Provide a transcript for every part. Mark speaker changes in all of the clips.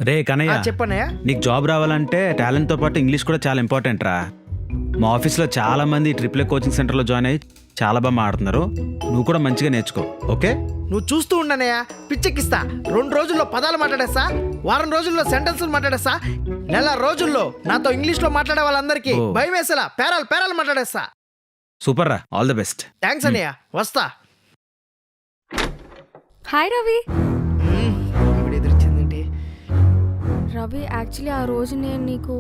Speaker 1: రే కనయ్య,
Speaker 2: చెప్పన్నయ్య.
Speaker 1: నీకు జాబ్ రావాలంటే టాలెంట్తో పాటు ఇంగ్లీష్ కూడా చాలా ఇంపార్టెంట్ రా. మా ఆఫీస్లో చాలా మంది ట్రిపుల్ కోచింగ్ సెంటర్లో జాయిన్ అయ్యి చాలా బాగా మాట్లాడుతున్నారు. నువ్వు కూడా మంచిగా నేర్చుకో, ఓకే?
Speaker 2: నువ్వు చూస్తూ ఉండనయ్యా, పిచ్చెక్కిస్తా. 2 రోజుల్లో పదాలు మాట్లాడేస్తా, వారం రోజుల్లో సెంటెన్సులు మాట్లాడేస్తా, నెల రోజుల్లో నాతో ఇంగ్లీష్లో మాట్లాడే వాళ్ళందరికీ భయం వేసేలా పేరాలు మాట్లాడేస్తా.
Speaker 1: సూపర్ రా, ఆల్ ది బెస్ట్.
Speaker 2: థ్యాంక్స్ అన్నయ్య, వస్తా.
Speaker 3: హాయ్ రవి.
Speaker 2: ఇప్పుడు ఎదురొచ్చిందేంటి?
Speaker 3: రవి యాక్చువల్లీ ఆ రోజు నేను నీకు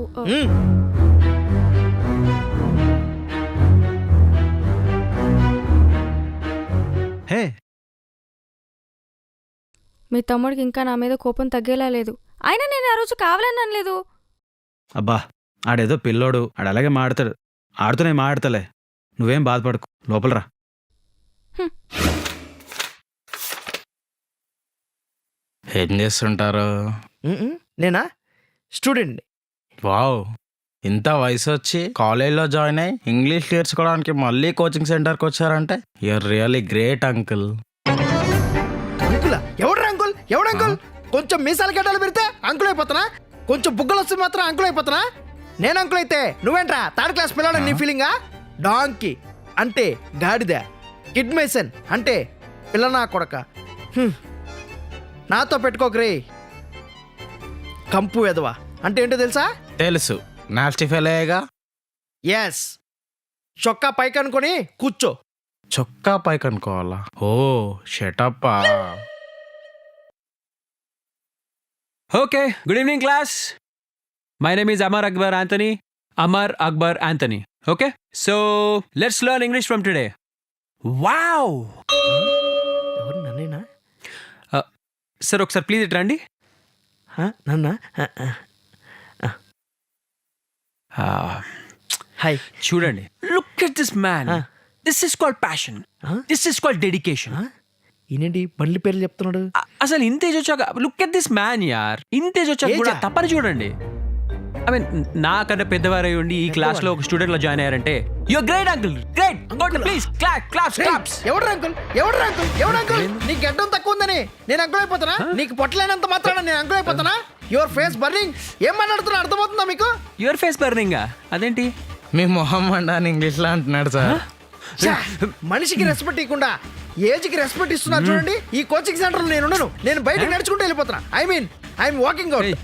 Speaker 1: హే,
Speaker 3: మీ తమ్ముడికి ఇంకా నా మీద కోపం తగ్గేలా లేదు. అయినా నేను ఆ రోజు కావాలని అనలేదు.
Speaker 1: అబ్బా ఆడేదో పిల్లోడు, ఆడు అలాగే మాడతాడు. ఆడుతూనే మాడతలే, నువ్వేం బాధపడకు, లోపలరా.
Speaker 4: ఏం చేస్తుంటారు?
Speaker 2: నేనా స్టూడెంట్.
Speaker 4: వావ్, ఇంత వయసు వచ్చి కాలేజ్లో జాయిన్ అయ్యి ఇంగ్లీష్ నేర్చుకోవడానికి మళ్ళీ కోచింగ్ సెంటర్కి వచ్చారంటే యూఆర్ రియల్లీ గ్రేట్ అంకుల్.
Speaker 2: అంకులా? ఎవడు అంకుల్? కొంచెం మీసాల గడ్డలు పెడితే అంకుల్ అయిపోతానా? కొంచెం బుగ్గలు వస్తే మాత్రం అంకుల్ అయిపోతానా? నేను అంకుల్ అయితే నువ్వేంట్రా 3rd క్లాస్ పిల్లడు? నీ ఫీలింగా? డాంకీ అంటే గాడిద, కిడ్ మేసన్ అంటే పిల్లనా కొడక. నాతో పెట్టుకోకరే. కంపు ఎదవా అంటే ఏంటో తెలుసా?
Speaker 4: తెలుసు, నాస్టీ ఫెలేగా.
Speaker 2: ఎస్, చొక్కా పైకి అనుకొని కూర్చో.
Speaker 4: చొక్కా పైకి అనుకోవాలా? ఓ షటప్పా.
Speaker 5: Okay, good evening class. My name is Amar Akbar Anthony. Amar Akbar Anthony. Okay, so let's learn English from today. Wow!
Speaker 2: ఎవరు నన్నేనా?
Speaker 5: Sir, ఒకసారి ప్లీజ్ ఇటు రండి.
Speaker 2: నన్నా? హాయ్.
Speaker 5: చూడండి. Look at this man. This is called passion. This is called dedication.
Speaker 2: ఈయనేంటి బండ్ల పేర్లు చెప్తున్నాడు?
Speaker 5: అసలు ఇంత ఏజ్ వచ్చాక లుక్ ఎట్ దిస్ మ్యాన్ యార్. ఇంత ఏజ్ వచ్చాక కూడా తప్పని చూడండి. ఐ మీన్ నాకన్నా పెద్దవారై ఉండి ఈ క్లాస్ లో ఒక స్టూడెంట్ లో జాయిన్ అయ్యారంటే your great uncle. Great. Please claps.
Speaker 2: ఎవడు అంకుల్? నీ గడ్డం తక్కువ ఉందని నేను అంకుల్ అయిపోతానా? నీకు పొట్టలేనంత మాత్రాన నేను అంకుల్ అయిపోతానా? Your face burning. ఏం మాట్లాడుతున్నా అర్థమవుతుందా మీకు?
Speaker 5: యువర్ ఫేస్ బర్నింగ్ అదేంటి?
Speaker 4: మీ మొహం అని ఇంగ్లీష్లో అంటున్నాడు సార్.
Speaker 2: మనిషికి రెస్పెక్ట్ ఇవ్వకుండా ఏజ్కి రెస్పెక్ట్ ఇస్తున్నారు చూడండి. ఈ కోచింగ్ సెంటర్లో నేను బయటకు నడుచుకుంటూ వెళ్ళిపోతున్నా. I'm walking out.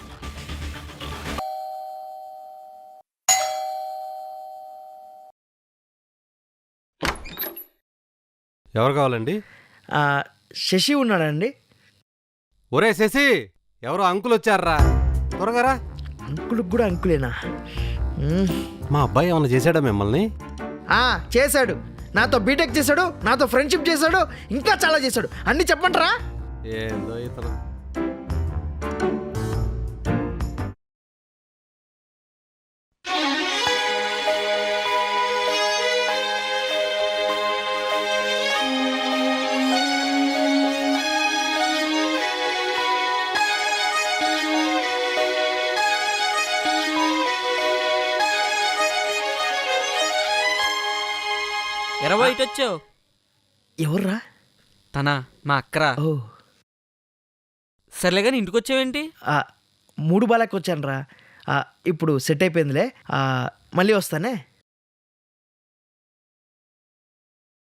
Speaker 6: ఎవరు కావాలండి?
Speaker 2: శశి ఉన్నాడండి.
Speaker 6: ఒరే శశి, ఎవరో అంకుల్ వచ్చారా, త్వరగా రా.
Speaker 2: అంకుల్కి కూడా అంకులేనా?
Speaker 6: మా అబ్బాయి ఏమైనా చేశాడా మిమ్మల్ని?
Speaker 2: చేశాడు. నాతో బీటెక్ చేశాడు, నాతో ఫ్రెండ్షిప్ చేశాడు, ఇంకా చాలా చేశాడు. అన్ని చెప్పంటారా?
Speaker 6: ఏందో ఇతను.
Speaker 7: వచ్చావు?
Speaker 2: ఎవర్రా?
Speaker 7: తనా మా అక్కరా.
Speaker 2: ఓ
Speaker 7: సర్లే కానీ ఇంటికి వచ్చావేంటి?
Speaker 2: 3 బాలకి వచ్చాను రా. ఇప్పుడు సెట్ అయిపోయిందిలే. మళ్ళీ వస్తానే.